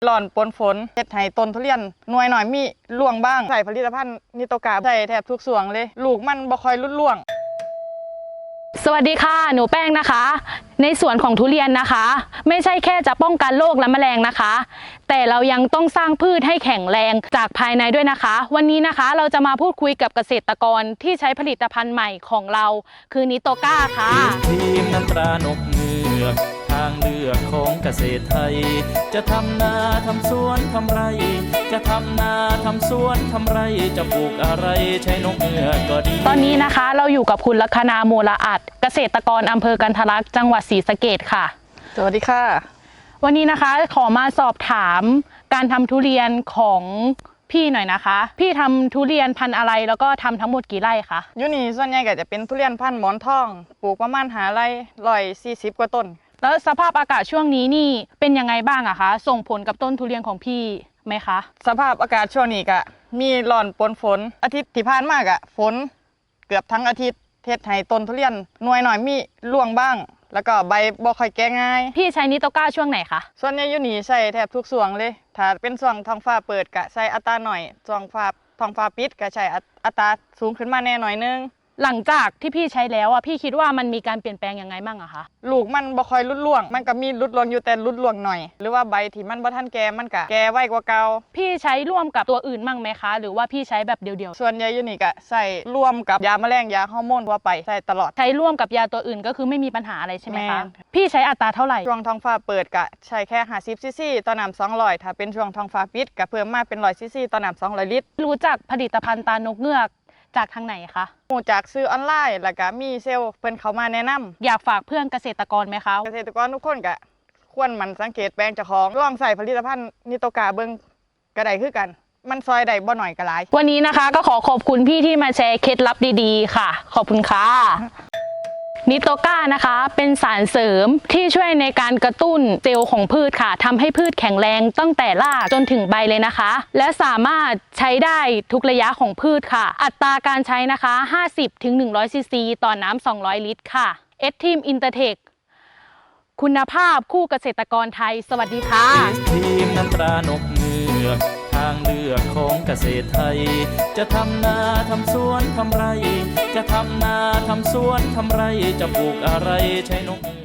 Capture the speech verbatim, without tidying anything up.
ร้อนปนฝนเฮ็ดให้ต้นทุเรียนหน่วยหน่อยมีร่วงบ้างใส่ผลิตภัณฑ์นิโตกาใส่แทบทุกส่วนเลยลูกมันบ่ค่อยรุดร่วงสวัสดีค่ะหนูแป้งนะคะในสวนของทุเรียนนะคะไม่ใช่แค่จะป้องกันโรคและแมลงนะคะแต่เรายังต้องสร้างพืชให้แข็งแรงจากภายในด้วยนะคะวันนี้นะคะเราจะมาพูดคุยกับเกษตรกรที่ใช้ผลิตภัณฑ์ใหม่ของเราคือนิโตกาค่ะทีมน้ำตรานกเงือกทางเลือกของเกษตรไทยจะทำนาทำสวนทำไรจะทำนาทำสวนทำไรจะปลูกอะไรใช้นกเงือกก็ดีตอนนี้นะคะเราอยู่กับคุณลัคนาโมละอัดเกษตรกรอำเภอกันทรลักษณ์จังหวัดศรีสะเกษค่ะสวัสดีค่ะวันนี้นะคะขอมาสอบถามการทำทุเรียนของพี่หน่อยนะคะพี่ทำทุเรียนพันธุ์อะไรแล้วก็ทำทั้งหมดกี่ไร่คะอยู่นี่ส่วนใหญ่ก็จะเป็นทุเรียนพันธุ์หมอนทองปลูกประมาณหาไร่ร้อยสี่สิบกว่าต้นแล้วสภาพอากาศช่วงนี้นี่เป็นยังไงบ้างอะคะส่งผลกับต้นทุเรียนของพี่ไหมคะสภาพอากาศช่วงนี้ก็มีร้อนปนฝนอาทิตย์ที่ผ่านมาก็ฝนเกือบทั้งอาทิตย์เฮ็ดให้ต้นทุเรียนหน่วยหน่อยมีร่วงบ้างแล้วก็ใบบ่ค่อยแก่ง่ายพี่ใช้นิโตกาช่วงไหนคะส่วนใหญ่อยู่นี่ใช้แทบทุกช่วงเลยถ้าเป็นช่วงท้องฟ้าเปิดก็ใช้อัตราหน่อยช่วงฟ้าท้องฟ้าปิดก็ใช้อัตราสูงขึ้นมาแน่หน่อยนึงหลังจากที่พี่ใช้แล้วอ่ะพี่คิดว่ามันมีการเปลี่ยนแปลงยังไงบ้างอะคะลูกมันบ่ค่อยรุดร่วงมันก็มีรุดร่วงอยู่แต่รุดร่วงหน่อยหรือว่าใบที่มันบ่ทันแก่มันก็แก่ไวกว่าเก่าพี่ใช้ร่วมกับตัวอื่นมั่งไหมคะหรือว่าพี่ใช้แบบเดียวๆส่วนใหญ่อยู่นี่ก็ใส่ร่วมกับยาแมลงยาฮอร์โมนทั่วไปใส่ตลอดใช้ร่วมกับยาตัวอื่นก็คือไม่มีปัญหาอะไรใช่ไหมคะพี่ใช้อัตราเท่าไหร่ช่วงท้องฟ้าเปิดก็ใช้แค่ห้าสิบซีซีต่อน้ำสองร้อยถ้าเป็นช่วงท้องฟ้าปิดก็เพิ่มมาเป็นหนึ่งร้อยซีซีต่อน้ำสองร้อยลิตรรู้จักผลิตภัณฑ์ตานกเงือกจากทางไหนคะรู้จากซื้อออนไลน์แล้วก็มีเซลล์เพิ่นเข้ามาแนะนำอยากฝากเพื่อนเกษตรกรไหมคะเกษตรกรทุกคนก็ควรหมั่นสังเกตแปลงเจ้าของลองใส่ผลิตภัณฑ์นิโตกาเบิ่งก็ได้คือกันมันซอยได้บ่หน่อยก็หลายวันนี้นะคะก็ขอขอบคุณพี่ที่มาแชร์เคล็ดลับดีๆค่ะขอบคุณค่ะนิโตกานะคะเป็นสารเสริมที่ช่วยในการกระตุ้นเซลล์ของพืชค่ะทำให้พืชแข็งแรงตั้งแต่รากจนถึงใบเลยนะคะและสามารถใช้ได้ทุกระยะของพืชค่ะอัตราการใช้นะคะ ห้าสิบถึงหนึ่งร้อย ซีซีต่อน้ำสองร้อยลิตรค่ะเอสทีมอินเตอร์เทคคุณภาพคู่เกษตรกรไทยสวัสดีค่ะทีมน้ำตรานกเงือกทางเลือกของเกษตรไทยจะทำนาทำสวนทำไรจะทำนาทำสวนทำไรจะปลูกอะไรใช้นก